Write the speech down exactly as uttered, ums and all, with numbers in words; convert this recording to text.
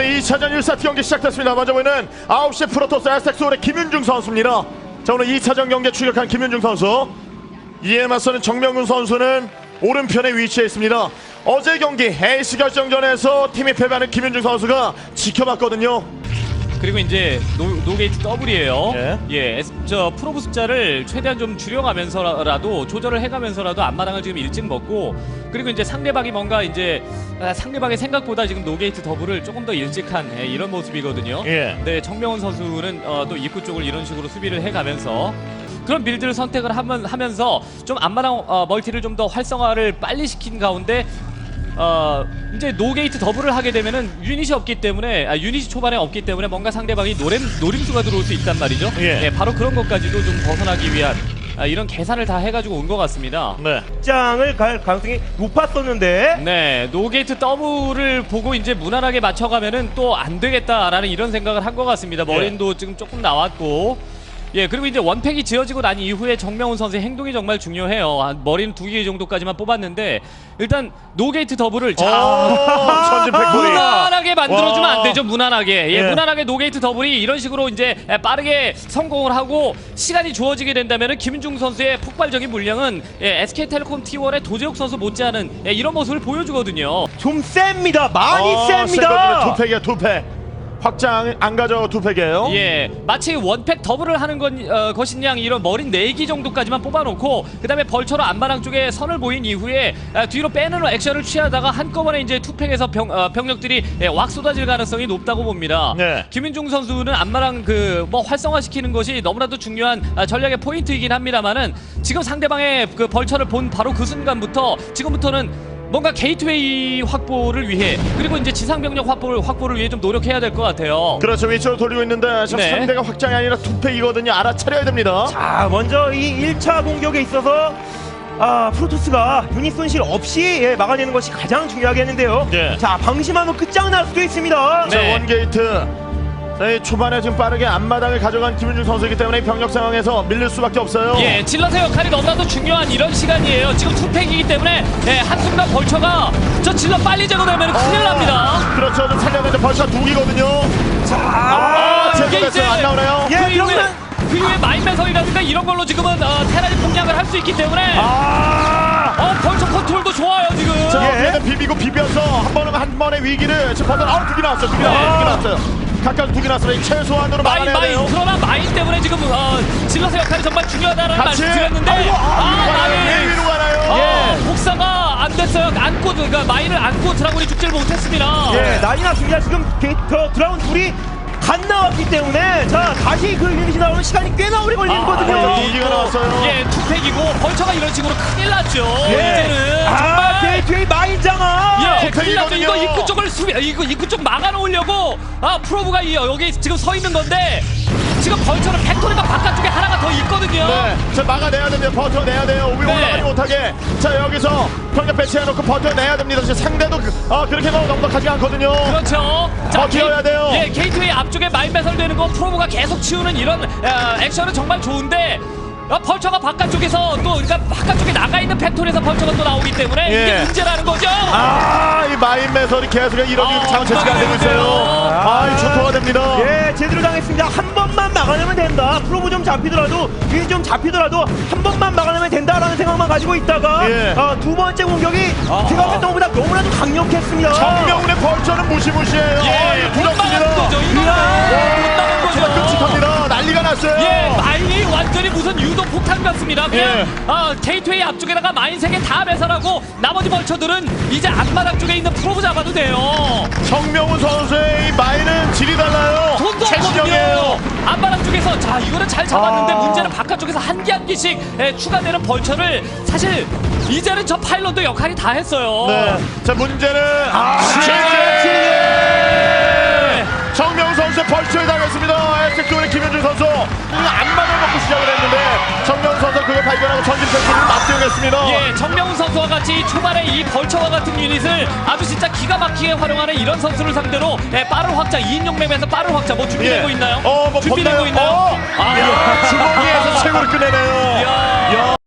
오늘 이 차전 일 세트 경기 시작됐습니다. 먼저 보이는 아홉 시 프로토스 에스텍스홀의 김윤중 선수입니다. 자, 오늘 이 차전 경기에 출격한 김윤중 선수. 이에 맞서는 정명훈 선수는 오른편에 위치해 있습니다. 어제 경기 에이스 결정전에서 팀이 패배하는 김윤중 선수가 지켜봤거든요. 그리고 이제 노, 노게이트 더블이에요. 예. 예, 에스- 저 프로브 숫자를 최대한 좀 줄여가면서라도 조절을 해가면서라도 앞마당을 지금 일찍 먹고, 그리고 이제 상대방이 뭔가 이제 아, 상대방의 생각보다 지금 노게이트 더블을 조금 더 일찍한 예, 이런 모습이거든요. 예. 네, 정명훈 선수는 어, 또 입구 쪽을 이런 식으로 수비를 해가면서 그런 빌드를 선택을 하면, 하면서 좀 앞마당 어, 멀티를 좀 더 활성화를 빨리 시킨 가운데. 어 이제 노게이트 더블을 하게 되면은 유닛이 없기 때문에 아, 유닛이 초반에 없기 때문에 뭔가 상대방이 노림 노림수가 들어올 수 있단 말이죠. 예. 예, 바로 그런 것까지도 좀 벗어나기 위한 아, 이런 계산을 다 해가지고 온 것 같습니다. 네. 장을 갈 가능성이 높았었는데 네, 노게이트 더블을 보고 이제 무난하게 맞춰가면은 또 안 되겠다라는 이런 생각을 한 것 같습니다. 머린도 지금 조금 나왔고. 예, 그리고 이제 원팩이 지어지고 난 이후에 정명훈 선수의 행동이 정말 중요해요. 한 머리는 두 개 정도까지만 뽑았는데 일단 노게이트 더블을 자 전진 팩토리. 무난하게 만들어주면 와. 안 되죠. 무난하게. 예, 예. 무난하게 노게이트 더블이 이런 식으로 이제 빠르게 성공을 하고 시간이 주어지게 된다면은 김윤중 선수의 폭발적인 물량은 예, 에스케이텔레콤 티 원의 도재욱 선수 못지않은 예, 이런 모습을 보여주거든요. 좀 셉니다. 많이 어, 셉니다. 세거든요. 두 팩이야, 두 팩. 확장 안 가져 두 팩이에요. 예, 마치 원팩 더블을 하는 건, 어, 것인 양 이런 머린 네 기 정도까지만 뽑아놓고 그 다음에 벌처로 안마랑 쪽에 선을 보인 이후에 아, 뒤로 빼는 액션을 취하다가 한꺼번에 이제 투팩에서 병, 어, 병력들이 예, 왁 쏟아질 가능성이 높다고 봅니다. 네. 김윤중 선수는 안마랑 그 뭐 활성화시키는 것이 너무나도 중요한 아, 전략의 포인트이긴 합니다만은 지금 상대방의 그 벌처를 본 바로 그 순간부터 지금부터는 뭔가 게이트웨이 확보를 위해 그리고 이제 지상병력 확보를 확보를 위해 좀 노력해야 될 것 같아요. 그렇죠. 위쪽으로 돌리고 있는데 지금 네. 상대가 확장이 아니라 두 팩이거든요. 알아차려야 됩니다. 자, 먼저 이 일 차 공격에 있어서 아, 프로토스가 유닛 손실 없이 예, 막아내는 것이 가장 중요하겠는데요. 예. 자, 방심하면 끝장날 수도 있습니다. 자, 네. 원게이트. 자, 이 초반에 지금 빠르게 앞마당을 가져간 김윤중 선수이기 때문에 이 병력 상황에서 밀릴 수밖에 없어요. 예, 질럿의 역할이 너무나도 중요한 이런 시간이에요. 지금 투팩이기 때문에 예, 한순간 벌처가 저 질럿 빨리 제거되면 큰일 납니다. 그렇죠. 좀 살려내는데 벌써 두 기거든요. 자, 아, 이게 제거 이제 됐어요. 안 나오나요? 예, 그 이후에 이러면- 그 이후에 마인매설이라든가 이런 걸로 지금은 어, 테라리 공략을 할 수 있기 때문에 아! 어, 벌처 컨트롤도 좋아요 지금. 자, 예. 얘는 비비고 비벼서 한 번은 한 번의 위기를 지금 버튼 아우 두개 나왔어요. 두개 나왔어요. 두개 나왔어요. 각각 두 개 나왔어요. 이 최소한으로 마인 막아내야 마인 돼요. 그러나 마인 때문에 지금 어, 질럿의 역할이 정말 중요하다는 같이. 말씀 드렸는데 아이고, 아, 위로 가나요? 마인. 왜 위로 가나요? 예, 복사가 안 됐어요. 안고 그러니까 마인을 안고 드라군이 죽지를 못했습니다. 예, 난리 났습니다. 지금 게이트 드라운 둘이 간 나왔기 때문에 자, 다시 그 유닛이 나오는 시간이 꽤나 오래 걸리거든요. 아, 두 개가 나왔어요. 예, 투팩이고 벌처가 이런 식으로 큰일 났죠. 예. 이제는 아, 정말. 게이트웨이 마인장아. 예, 큰일 났죠. 이거 투팩이거든요. 입구 쪽을 수비, 이거 입구 쪽 막아놓으려고 아 프로브가 이, 여기 지금 서 있는 건데 지금 벌처는 팩토리가 바깥쪽에 하나가 더 있거든요. 네, 자 막아내야 됩니다. 버텨내야 돼요. 위로 네. 올라가지 못하게. 자 여기서 병력 배치해놓고 버텨내야 됩니다. 지금 상대도 그, 아 그렇게 너무 넉넉하지 않거든요. 그렇죠. 버텨야 게이- 돼요. 예, 게이트웨이 앞쪽에 마인 배설되는 거 프로브가 계속 치우는 이런 어, 액션은 정말 좋은데 어, 벌처가 바깥쪽에서 또 그러니까 바깥쪽에 나가 있는 팩토리에서 벌처가 또 나오기 때문에 예. 이게 문제라는 거죠. 아, 이 마인 매설이 계속 이런 아, 장체치가 되고 있어요. 엉망이네요. 아, 이 초토화 됩니다. 예, 제대로 당했습니다. 한 번만 막아내면 된다. 프로브 좀 잡히더라도, 유닛 좀 잡히더라도 한 번만 막아내면 된다라는 생각만 가지고 있다가 예. 아, 두 번째 공격이 생각했던 것보다 너무나도 강력했습니다. 정명훈의 벌처는 무시무시해요. 아, 예, 이거 못 막은 두렵습니다. 거죠. 이거 못 막은 정말 거죠. 끔찍합니다. 난리가 났어요. 예, 마인이 완전히 무슨 유도 폭탄 같습니다. 그냥 예. 아, 게이트웨이 앞쪽에다가 마인 세 개 다 배설하고 나머지 벌처들은 이제 앞마당 쪽에 있는 프로브 잡아도 돼요. 정명훈 선수의 이 마인은 질이 달라요. 돈도 최신형이에요. 없거든요. 앞마당 쪽에서 자 이거는 잘 잡았는데 아. 문제는 바깥쪽에서 한 개 한 개씩 예, 추가되는 벌처를 사실 이제는 저 파일럿도 역할이 다 했어요. 네. 자 문제는 아, 예. 정명훈 선수의 벌초에 당했습니다. 에스텍스의 김현준 선수 안마를 먹고 시작을 했는데 정명훈 선수 그걸 발견하고 전진 팩토리를 맞대응했습니다. 예, 정명훈 선수와 같이 초반에 이 벌처와 같은 유닛을 아주 진짜 기가 막히게 활용하는 이런 선수를 상대로 예, 빠른 확장, 이인용 맵에서 빠른 확장 뭐 준비되고 있나요? 어, 뭐 준비되고 본다요? 있나요? 어. 아, 이야, 주먹이에서 최고로 끝내네요. 이야. 야.